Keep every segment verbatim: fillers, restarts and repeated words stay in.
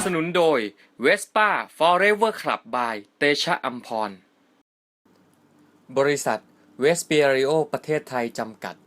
สนุนโดย Vespa Forever Club by เตชะอัมพรบริษัทเวสเปียริโอประเทศไทยจำกัด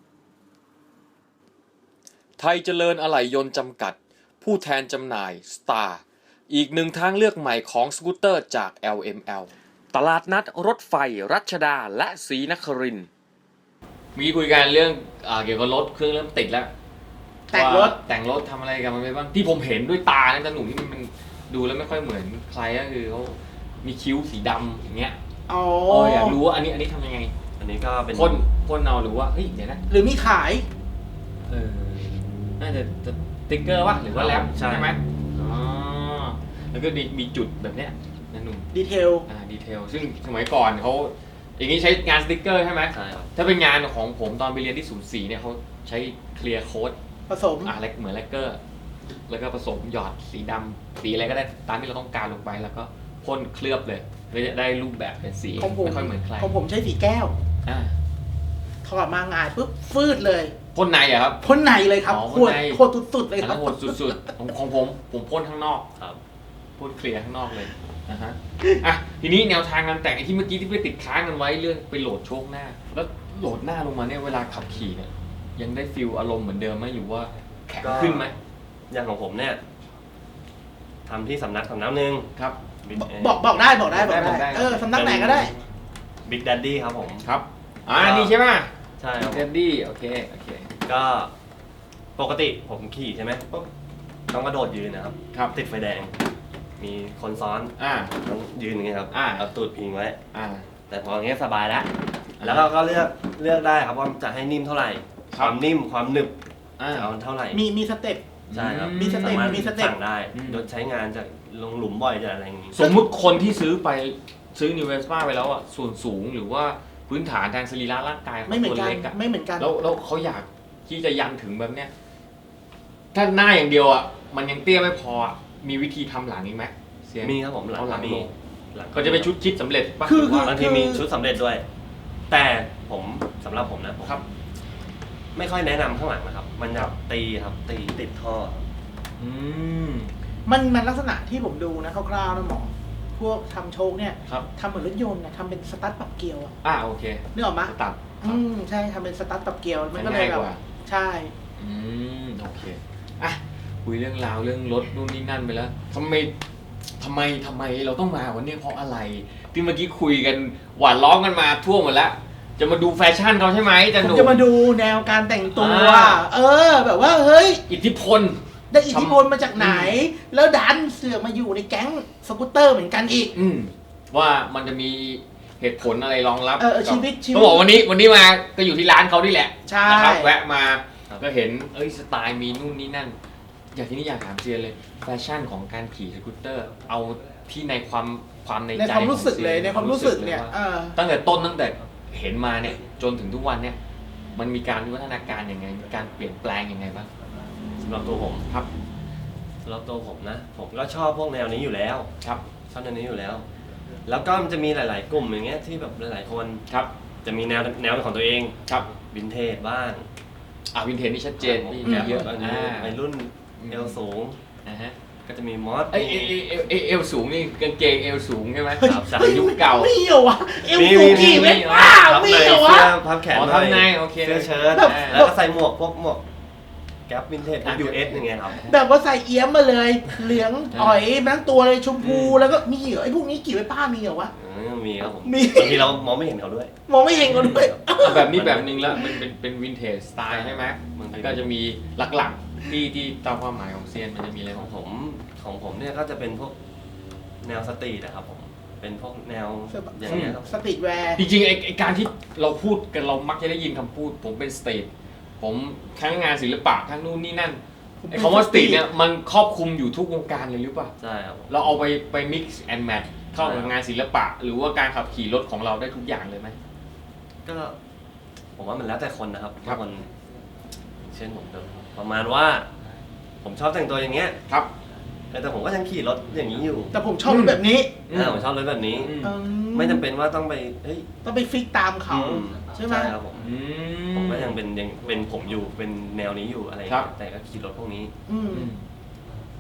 ไทยเจริญอะไหล่ยนต์จำกัดผู้แทนจำหน่าย Star อีกหนึ่งทางเลือกใหม่ของสกูตเตอร์จาก แอล เอ็ม แอล ตลาดนัดรถไฟรัชดาและศรีนครินทร์มีคุยกันเรื่องเอ่อเกี่ยวกับรถเครื่องเริ่มติดแล้วแต่งรถแต่งรถทำอะไรกันมันไปบ้างที่ผมเห็นด้วยตาเนี่ยแต่หนุ่มที่มันดูแล้วไม่ค่อยเหมือนใครก็คือเขามีคิ้วสีดำอย่างเงี้ยอ๋ออยากรู้ว่าอันนี้อันนี้ทำยังไงอันนี้ก็เป็นพ่นพ่นเอาหรือว่าเฮ้ยเดี๋ยวนะหรือมีขายเออน่าจะสติ๊กเกอร์วะหรือว่าแรปใช่ไหมอ๋อแล้วก็มีจุดแบบเนี้ยนั่นหนุ่มดีเทลอ่าดีเทลซึ่งสมัยก่อนเขาอย่างนี้ใช้งานสติ๊กเกอร์ใช่ไหมใช่ครับถ้าเป็นงานของผมตอนไปเรียนที่ศูนย์สี่เนี่ยเขาใช้เคลียร์โค้ดผสมอ่าเหมือนแลกเกอร์แล้วก็ผสมหยอดสีดำสีอะไรก็ได้ตามที่เราต้องการลงไปแล้วก็พ่นเคลือบเลยก็จะได้รูปแบบเป็นสีไม่ค่อยเหมือนใครของผมใช้สีแก้วอ่าถอดมางานปุ๊บฟืดเลยพ่นในอะครับพ่นในเลยครับโคตรโคตรสุดๆเลยครับโคตรสุดๆของของผมผมพ่นข้างนอกครับพ่นเคลียร์ข้างนอกเลยนะฮะอ่ะทีนี้แนวทางการแต่งไอ้ที่เมื่อกี้ที่ไปติดค้างกันไว้เรื่องไปโหลดโชคหน้าแล้วโหลดหน้าลงมาเนี่ยเวลาขับขี่เนี่ยยังได้ฟีลอารมณ์เหมือนเดิมไหมหรือว่าแข็งขึ้นไหมอย่างของผมเนี่ยทำที่สำนักสำนักหนึ่งครับบอกบอกได้บอกได้บอกได้เออสำนักไหนก็ได้ Big Daddy ครับผมครับอ่านี่ใช่ไหมใช่ครับ Big Daddy โอเคโอเคก็ปกติผมขี่ใช่ไหมปุ๊บต้องกระโดดยืนนะครับครับติดไฟแดงมีคนซ้อนอ่าต้องยืนอย่างเงี้ยครับอ่าเอาตูดพิงไว้อ่าแต่พออย่างเงี้ยสบายแล้วแล้วเราก็เลือกเลือกได้ครับว่าจะให้นิ่มเท่าไหร่ความนิ่มความหนึบจะเอาเท่าไหร่มีมีสเต็ปใช่ครับมีสเต็ปมีสเต็ปสั่งได้โดยใช้งานจะลงหลุมบ่อยจะอะไรอย่างงี้สมมุติคนที่ซื้อไปซื้อ New Vespa ไปแล้วอ่ะส่วนสูงหรือว่าพื้นฐานทางสรีระร่างกายไม่เหมือนกันไม่เหมือนกันแล้วแล้วเขาอยากที่จะยันถึงแบบเนี้ยถ้าหน้าอย่างเดียวอ่ะมันยังเตี้ยไม่พอมีวิธีทำหลังอีกไหมมีครับผมหลังหลังมีก็จะเป็นชุดคิดสำเร็จป่ะคือบางทีมีชุดสำเร็จด้วย แต่ผมสำหรับผมนะผมครับไม่ค่อยแนะนำข้างหลังนะครับมันจะตีครับตีติดท่ออืมมันมันลักษณะที่ผมดูนะคร่าวๆนะหมอพวกทำโชคเนี่ยครับทำเหมือนรถยนต์นะทำเป็นสตาร์ทปรับเกียร์อ่ะอ่าโอเคนึกออกไหมตัดอืมใช่ทำเป็นสตาร์ทปรับเกียร์มันก็เลยแบบใช่อืมโอเคอ่ะคุยเรื่องราวเรื่องรถนู่นนี่นั่นไปแล้วทำไมทำไมทำไมเราต้องมาวันนี้เพราะอะไรที่เมื่อกี้คุยกันหวานล้อมกันมาทั่วหมดแล้วจะมาดูแฟชั่นเขาใช่ไหมจะผมจะมาดูแนวการแต่งตัวเออแบบว่าเฮ้ยอิทธิพลได้อิทธิพลมาจากไหนแล้วดันเสือมาอยู่ในแก๊งสกูตเตอร์เหมือนกันอีกอืมว่ามันจะมีเหตุผลอะไรรองรับเออชีวิตชีวิตเขาบอกวันนี้วันนี้มาก็อยู่ที่ร้านเขานี่แหละใช่นะครับแวะมาก็เห็นเอ้ยสไตล์มีนู่นนี่นั่นอยากที่นี่อยากถามเซียนเลยแฟชั่นของการขี่สกูตเตอร์เอาที่ในความความในใจในความรู้สึกเลยในความรู้สึกเนี่ยตั้งแต่ต้นตั้งแต่เห็นมาเนี่ยจนถึงทุกวันเนี่ยมันมีการวิวัฒนาการยังไงมีการเปลี่ยนแปลงยังไงบ้างสำหรับตัวผมครับสำหรับตัวผมนะผมก็ชอบพวกแนวนี้อยู่แล้วครับชอบแนวนี้อยู่แล้วแล้วก็มันจะมีหลายๆกลุ่มอย่างเงี้ยที่แบบหลายๆคนครับจะมีแนวแนวเป็นของตัวเองครับวินเทจบ้างอ่าวินเทจนี่ชัดเจนมีเยอะในรุ่นเอวสูงนะฮะก็จะมีมอสเอเอเอวสูงนี่กางเกงเอวสูงใช่ไหมครับจากยุคเก่าไม่เหรอวะเอวสูงกี่เมตรว้าวไม่เหรอวะพับแขนทำไงโอเคเสื้อเชิ้ตแล้วก็ใส่หมวกพวกหมวกแก๊ปวินเทจ ยู เอส อย่างเงี้ยครับแบบว่าใส่เอี้ยมมาเลยเหลืองอ่อยทั้งตัวเลยชมพูแล้วก็มีเหรอไอ้พวกนี้กี่ไว้ป้ามีเหรอวะมีครับผมบางทีเรามองไม่เห็นเขาด้วยมองไม่เห็นเขาด้วยแบบนี้แบบนึงแล้วมันเป็นเป็นวินเทจสไตล์ใช่ไหมมันก็จะมีหลักๆที่ที่ตามความหมายของเซียนมันจะมีอะไรของผมของผมเนี่ยก็จะเป็นพวกแนวสตรีทนะครับผมเป็นพวกแนวอย่างเงี้ยสตรีทแวร์จริงๆไอ้การที่เราพูดกันเรามักจะได้ยินคำพูดผมเป็นสตรีทผมทั้งงานศิลปะทั้งนู่นนี่นั่นไอ้คำว่าสตรีทเนี่ยมันครอบคลุมอยู่ทุกวงการเลยหรือเปล่าใช่ครับเราเอาไปไป mix and match เข้ากับงานศิลปะหรือว่าการขับขี่รถของเราได้ทุกอย่างเลยไหมก็ผมว่ามันแล้วแต่คนนะครับบางคนเช่นผมประมาณว่าผมชอบแต่งตัวอย่างเงี้ยครับแต่ผมก็ยังขี่รถอย่างนี้อยู่แต่ผมชอบรถแบบนี้เออผมชอบรถแบบนี้ไม่จำเป็นว่าต้องไปเฮ้ยต้องไปฟิกตามเขาใช่ไหมใช่ครับผมผมก็ยังเป็นยังเป็นผมอยู่เป็นแนวนี้อยู่อะไรแต่ก็ขี่รถพวกนี้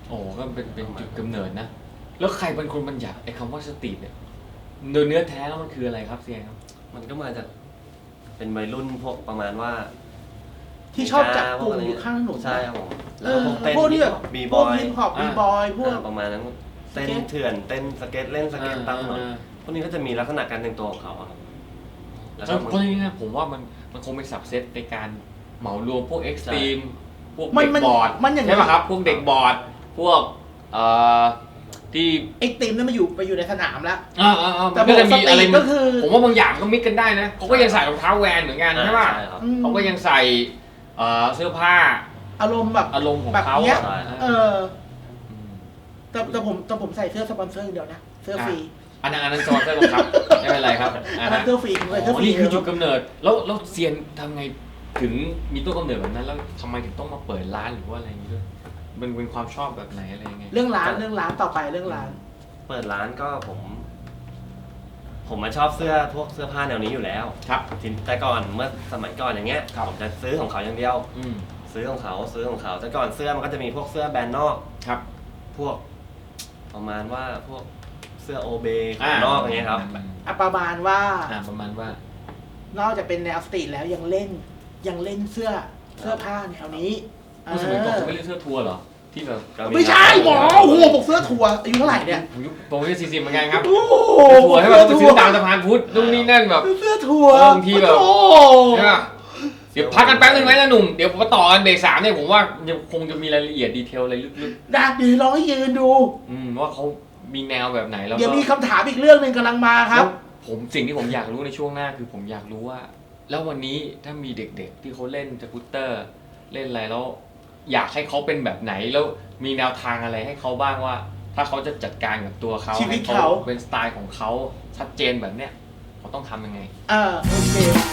โอ้ก็เป็นเป็นจุดกำเนิดนะแล้วใครเป็นคนบัญญัติไอ้คำว่าสตรีทเนี่ยโดยเนื้อแท้แล้วมันคืออะไรครับเซียนครับมันก็มาจากเป็นวัยรุ่นพวกประมาณว่าที่ชอบจับกลุ่มอยู่ข้างถนนใช่ครับผมเออเต้นพวกที่แบบบีพบวกอยฮิปฮอปบีบอยพวกประมาณนั้นเต้นสเก็ตเถื่อนเต้นสเก็ตเล่นสเก็ตตามถนนอ่าพวกนี้ก็จะมีลักษณะการแต่งตัวของเขาอะครับแล้วเพก็ราะมันเพราะนี่นะผมว่ามันมันคงเป็นสับเซตในการเหมารวมพวกเอ็กซ์ตรีมพวกมันเด็กมันบอร์ดมันอย่างใช่ป่ะครับพวกเด็กบอร์ดพวกเอ่อที่ไอ้ทีมนั้นมาอยู่ไปอยู่ในสนามแล้วอ่าอ่าอ่าแต่มันก็จะมีอะไรปกติก็คือผมว่าบางอย่างก็มิกกันได้นะเขาก็ยังใส่รองเท้าแวนเหมือนกันใช่ป่ะใช่ครับอืมเขาก็ยังใส่เอ่อเสื้อผ้าอารมณ์แบบอารมณ์ของแบบเขาเนี้ยใช่เออมแต่แต่ผมแต่ผมใส่เสื้อสปอนเซอร์อย่างเดียวนะเสื้อฟรีอันนั้นอันนั้นจอร์เซอร์บังคับไม่เป็นไรครับอัอ่านนั้นฮะเสื้อฟรีผมใส่เสื้ออ๋ฟอรีนี่คือจุดกำเนิดแล้วแล้วเซียนทำไงถึงมีต้นกำเนิดแบบนั้น แล้วทำไมถึงต้องมาเปิดร้านหรือว่าอะไรอย่างนี้ด้วยมันเป็นความชอบแบบไหนอะไรยังไงเรื่องร้านเรื่องร้านต่อไปเรื่องร้านเปิดร้านก็ผม ผมมาชอบเสื้อพวกเสื้อผ้าแนวนี้อยู่แล้วครับทีแต่ก่อนเมื่อสมัยก่อนอย่างเงี้ยครับผมจะซื้อของเขาอย่างเดียวอืมซื้อของเขาซื้อของเขาแต่ก่อนเสื้อมันก็จะมีพวกเสื้อแบรนด์นอกครับพวก ประมาณว่าพวกเสื้อโอเบขอ่าองนอกอย่างเงี้ยครับอ่ะประมาณว่าอ่าประมาณว่านอกจากเป็นแนวสตรีทแล้วยังเล่นยังเล่นเสื้อเสื้อผ้าแนวนี้เอสมัยก่อนเขาไม่อเล่นเสื้อทัวร์เหรอที่แบบก็ไม่ใช่หมอโอ้โหบอกเสื้อทัวร์อายุเท่าไหร่เนี่ยผมยุคผมอายุสี่สิบเหมือนกันครับโอ้โหทัวร์ให้แบบไปซื้อตามสะพานพุทธนู่นนี่นั่นแบบเสื้อทัวร์เออบางทีแบบโอ้โหใช่ป่ะเดี๋ยวพักกันแป๊บนึงไหมนะหนุ่มเดี๋ยวผมมาต่อกันเบรกสามเนี่ยผมว่ายังคงจะมีรายละเอียดดีเทลอะไรลึกดักดีลองให้ยืนดูๆอืมว่าเขามีแนวแบบไหนแล้วเดี๋ยวก็มีคำถามอีกเรื่องหนึ่งกำลังมาครับแล้วผมสิ่งที่ผมอยากรู้ในช่วงหน้าคือผมอยากรู้ว่า แล้ววันนี้ถ้ามีเด็กๆที่เขาเล่นสกูตเตอร์ เล่นอะไรแล้ว อยากให้เขาเป็นแบบไหนแล้วมีแนวทางอะไรให้เขาบ้างว่า ถ้าเขาจะจัดการกับตัวเขาชีวิตให้เขาเป็นสไตล์ของเขาชัดเจนแบบเนี้ยเขาต้องทำยังไงเออโอเค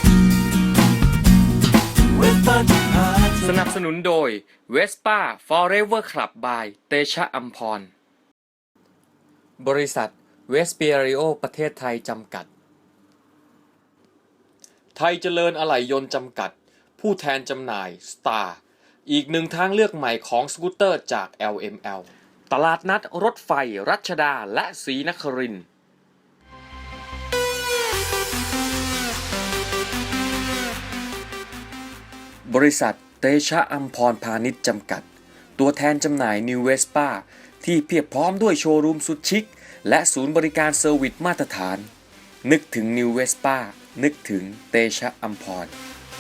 สนับสนุนโดย Vespa Forever Club by เตชะอัมพร บริษัทเวสเปียริโอประเทศไทยจำกัด ไทยเจริญอะไหล่ยนต์จำกัด ผู้แทนจำหน่าย Star อีกหนึ่งทางเลือกใหม่ของสกูตเตอร์จาก แอล เอ็ม แอล ตลาดนัดรถไฟรัชดาและศรีนครินทร์บริษัทเตชะอัมพรพาณิชย์จำกัด ตัวแทนจำหน่าย New Vespa ที่เพียบพร้อมด้วยโชว์รูมสุดชิค และศูนย์บริการเซอร์วิสมาตรฐาน นึกถึง New Vespa นึกถึงเตชะอัมพร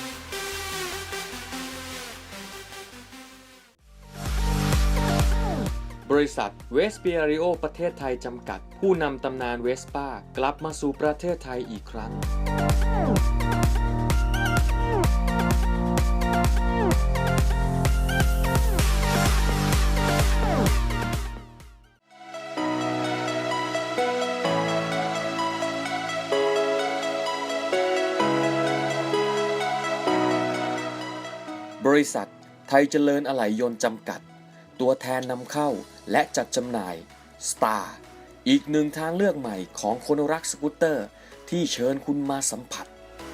บริษัทเวสเปียริโอประเทศไทยจำกัด ผู้นำตำนานเวสป้ากลับมาสู่ประเทศไทยอีกครั้ง บริษัทไทยเจริญอะไหล่ยนต์จำกัด ตัวแทนนำเข้าและจัดจำหน่าย Star อีกหนึ่งทางเลือกใหม่ของคนรักสกูตเตอร์ที่เชิญคุณมาสัมผัส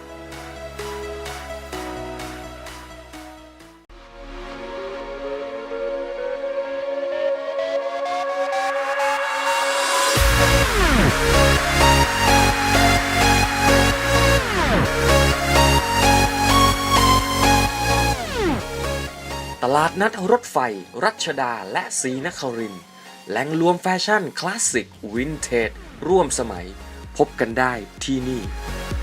ตลาดนัดรถไฟรัชดาและศรีนครินทร์แหล่งรวมแฟชั่นคลาสสิกวินเทจร่วมสมัย พบกันได้ที่นี่